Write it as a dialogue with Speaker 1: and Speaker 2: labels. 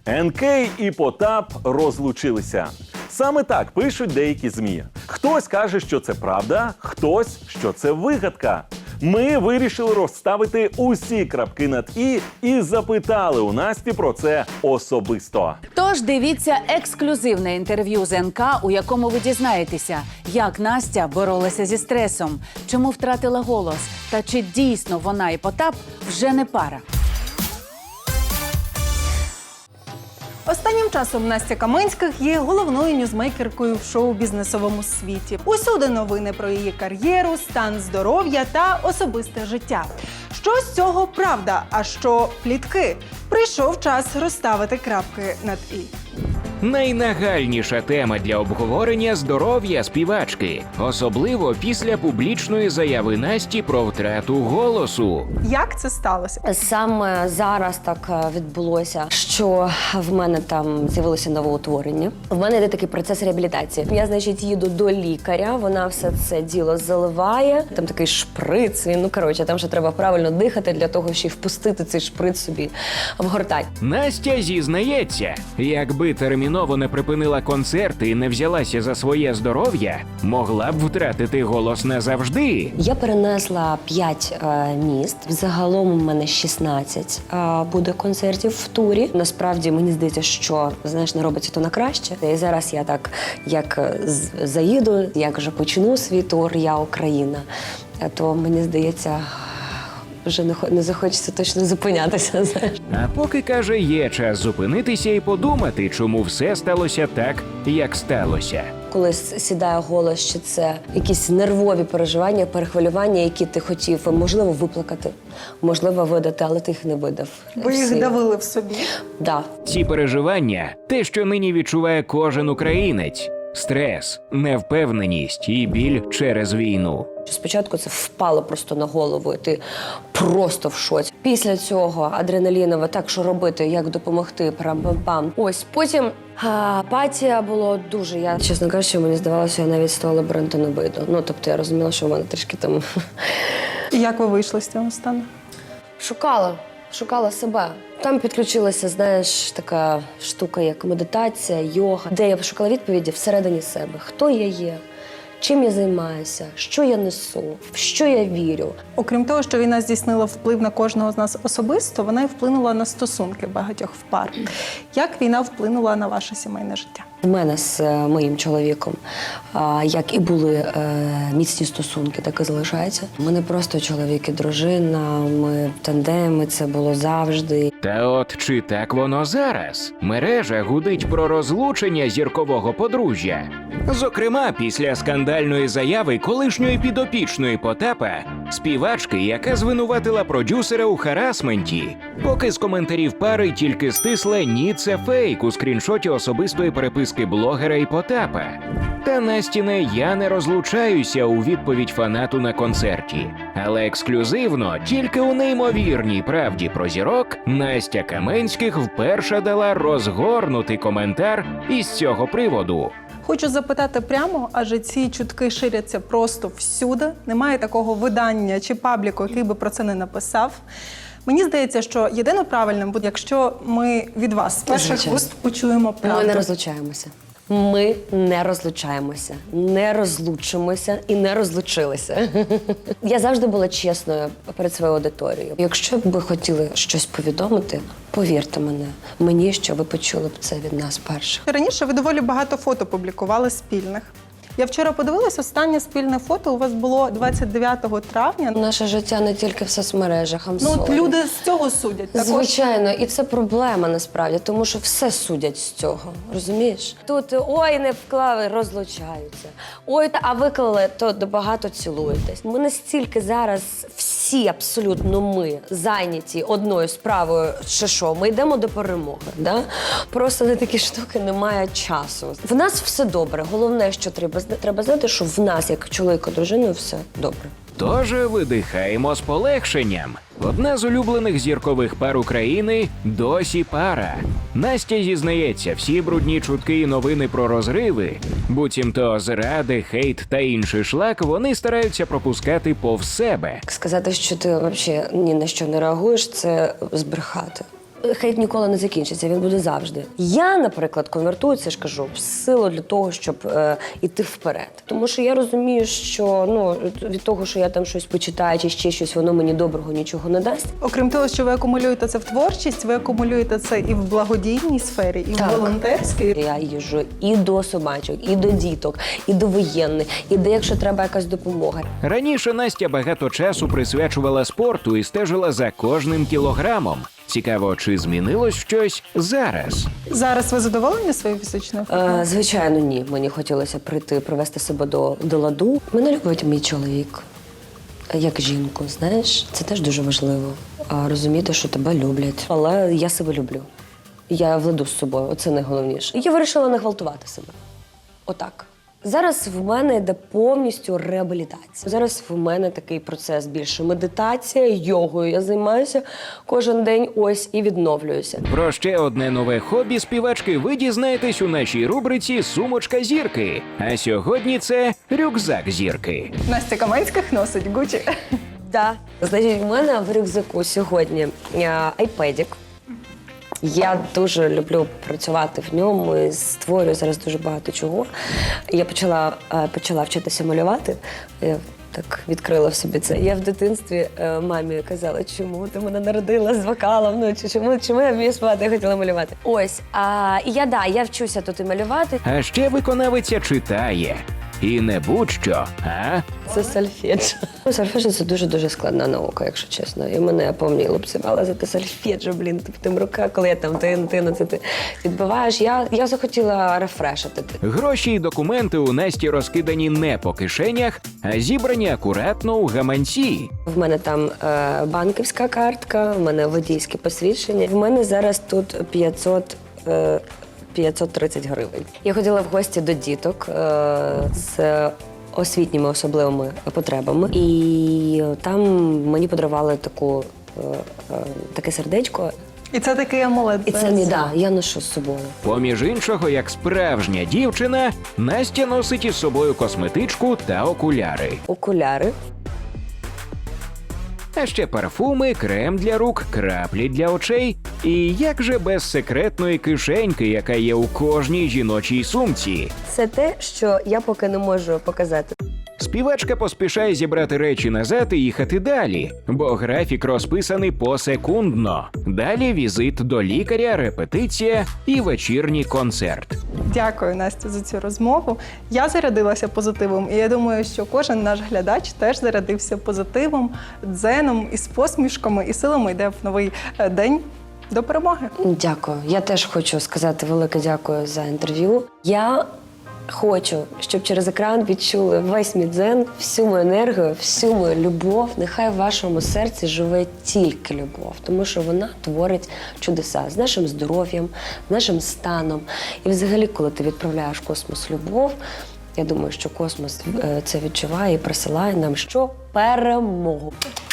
Speaker 1: НК і Потап розлучилися. Саме так пишуть деякі ЗМІ. Хтось каже, що це правда, хтось, що це вигадка. Ми вирішили розставити усі крапки над і запитали у Насті про це особисто.
Speaker 2: Тож дивіться ексклюзивне інтерв'ю з НК, у якому ви дізнаєтеся, як Настя боролася зі стресом, чому втратила голос та чи дійсно вона і Потап вже не пара.
Speaker 3: Останнім часом Настя Каменських є головною ньюзмейкеркою в шоу-бізнесовому світі. Усюди новини про її кар'єру, стан здоров'я та особисте життя. Що з цього правда, а що плітки? Прийшов час розставити крапки над «і».
Speaker 4: Найнагальніша тема для обговорення – здоров'я співачки. Особливо після публічної заяви Насті про втрату голосу.
Speaker 3: Як це сталося?
Speaker 5: Саме зараз так відбулося, що в мене там з'явилося новоутворення. В мене йде такий процес реабілітації. Я, значить, їду до лікаря, вона все це діло заливає. Там такий шприц, там ще треба правильно дихати для того, щоб впустити цей шприц собі в гортань.
Speaker 4: Настя зізнається, якби терміново не припинила концерти і не взялася за своє здоров'я, могла б втратити голос назавжди.
Speaker 5: Я перенесла 5 міст. Взагалом у мене 16 буде концертів в турі. Насправді, мені здається, що, не робиться то на краще. І зараз я так, як заїду, як вже почну свій тур «Я Україна», то мені здається, вже не захочеться точно зупинятися.
Speaker 4: А поки, каже, є час зупинитися і подумати, чому все сталося так, як сталося.
Speaker 5: Коли сідає голос, що це якісь нервові переживання, перехвилювання, які ти хотів, можливо, виплакати, можливо, видати, але ти їх не видав.
Speaker 3: Ви їх давили в собі?
Speaker 5: Да.
Speaker 4: Ці переживання – те, що нині відчуває кожен українець. Стрес, невпевненість і біль через війну.
Speaker 5: Спочатку це впало просто на голову, і ти просто в шоці. Після цього адреналінове, так, що робити, як допомогти, парам-пам-пам. Ось, потім апатія було дуже. Я, чесно кажучи, мені здавалося, я навіть з того лабіринту не вийду. Тобто я розуміла, що в мене трішки там...
Speaker 3: І як ви вийшли з цього стану?
Speaker 5: Шукала себе. Там підключилася, така штука, як медитація, йога, де я шукала відповіді всередині себе. Хто я є? Чим я займаюся? Що я несу? В що я вірю?
Speaker 3: Окрім того, що війна здійснила вплив на кожного з нас особисто, вона і вплинула на стосунки багатьох в пар. Як війна вплинула на ваше сімейне життя?
Speaker 5: У мене з моїм чоловіком, як і були міцні стосунки, так і залишаються. Ми не просто чоловік і дружина, ми тандеми, це було завжди.
Speaker 4: Та от чи так воно зараз? Мережа гудить про розлучення зіркового подружжя. Зокрема, після скандальної заяви колишньої підопічної Потапа, співачки, яка звинуватила продюсера у харасменті. Поки з коментарів пари тільки стисле «ні, це фейк» у скріншоті особистої переписки блогера і Потапа. Та Настіне «я не розлучаюся» у відповідь фанату на концерті. Але ексклюзивно, тільки у неймовірній правді про зірок, Настя Каменських вперше дала розгорнутий коментар із цього приводу.
Speaker 3: Хочу запитати прямо, адже ці чутки ширяться просто всюди. Немає такого видання чи пабліку, який би про це не написав. Мені здається, що єдино правильним буде, якщо ми від вас з перших вуст почуємо правду.
Speaker 5: Ми не розлучаємося. Ми не розлучаємося, не розлучимося і не розлучилися. Я завжди була чесною перед своєю аудиторією. Якщо б ви хотіли щось повідомити, повірте мені, що ви почули б це від нас перших.
Speaker 3: Раніше ви доволі багато фото публікували спільних. Я вчора подивилась, останнє спільне фото у вас було 29 травня.
Speaker 5: Наше життя не тільки в соцмережах,
Speaker 3: Люди з цього судять. Також.
Speaker 5: Звичайно, і це проблема насправді, тому що все судять з цього, розумієш? Тут ой, не вклали, розлучаються. Ой, а виклали, то багато цілуєтесь. Ми настільки зараз всі абсолютно ми зайняті одною справою, що ми йдемо до перемоги. Да? Просто на такі штуки немає часу. В нас все добре. Головне, що треба знати, що в нас, як чоловіка, дружиною, все добре.
Speaker 4: Тож видихаємо з полегшенням. Одна з улюблених зіркових пар України досі пара. Настя зізнається, всі брудні чутки і новини про розриви, буцімто зради, хейт та інший шлак вони стараються пропускати повз себе.
Speaker 5: Сказати, що ти взагалі ні на що не реагуєш, це збрехати. Хейт ніколи не закінчиться, він буде завжди. Я, наприклад, конвертую це ж кажу в силу для того, щоб іти вперед. Тому що я розумію, що від того, що я там щось почитаю чи ще щось, воно мені доброго нічого не дасть.
Speaker 3: Окрім того, що ви акумулюєте це в творчість, ви акумулюєте це і в благодійній сфері, і
Speaker 5: Так.
Speaker 3: в волонтерській.
Speaker 5: Я їжджу і до собачок, і до діток, і до воєнних, і де, якщо треба якась допомога.
Speaker 4: Раніше Настя багато часу присвячувала спорту і стежила за кожним кілограмом. Цікаво, чи змінилось щось зараз?
Speaker 3: Зараз ви задоволені своєю фізичною формою?
Speaker 5: Звичайно, ні. Мені хотілося прийти, привести себе до ладу. Мене любить мій чоловік, як жінку, знаєш. Це теж дуже важливо. Розуміти, що тебе люблять. Але я себе люблю. Я в ладу з собою, оце найголовніше. Я вирішила не гвалтувати себе. Отак. Зараз в мене йде повністю реабілітація. Зараз в мене такий процес більше медитація, йогою я займаюся кожен день ось і відновлююся.
Speaker 4: Про ще одне нове хобі співачки ви дізнаєтесь у нашій рубриці «Сумочка зірки». А сьогодні це рюкзак зірки.
Speaker 3: Настя Каменських носить Гучі.
Speaker 5: Да. Значить, в мене в рюкзаку сьогодні айпедік. Я дуже люблю працювати в ньому і створюю зараз дуже багато чого. Я почала вчитися малювати. Я так відкрила в собі це. Я в дитинстві мамі казала, чому ти мене народила з вокалом, чому я вмію співати, я хотіла малювати. Ось, я вчуся тут і малювати.
Speaker 4: А ще виконавиця читає. І не будь-що, а?
Speaker 5: Це сольфеджіо. Сольфеджіо – це дуже-дуже складна наука, якщо чесно. І мене повні лупцювали за те сольфеджіо, тим рука, коли я там ти відбиваєш. Я захотіла рефрешити.
Speaker 4: Гроші і документи у Насті розкидані не по кишенях, а зібрані акуратно у гаманці.
Speaker 5: В мене там банківська картка, в мене водійське посвідчення. В мене зараз тут 530 гривень. Я ходила в гості до діток з освітніми особливими потребами. І там мені подарували таке сердечко.
Speaker 3: І це такий амулет.
Speaker 5: І це я ношу з собою.
Speaker 4: Поміж іншого, як справжня дівчина, Настя носить із собою косметичку та окуляри.
Speaker 5: Окуляри.
Speaker 4: А ще парфуми, крем для рук, краплі для очей. І як же без секретної кишеньки, яка є у кожній жіночій сумці.
Speaker 5: Це те, що я поки не можу показати.
Speaker 4: Співачка поспішає зібрати речі назад і їхати далі, бо графік розписаний посекундно. Далі візит до лікаря, репетиція і вечірній концерт.
Speaker 3: Дякую, Настя, за цю розмову. Я зарядилася позитивом, і я думаю, що кожен наш глядач теж зарядився позитивом, дзеном, із посмішками, і силами йде в новий день до перемоги.
Speaker 5: Дякую. Я теж хочу сказати велике дякую за інтерв'ю. Я хочу, щоб через екран відчули весь мій дзен, всю мою енергію, всю мою любов. Нехай в вашому серці живе тільки любов, тому що вона творить чудеса з нашим здоров'ям, з нашим станом. І взагалі, коли ти відправляєш в космос любов, я думаю, що космос це відчуває і присилає нам що? Перемогу.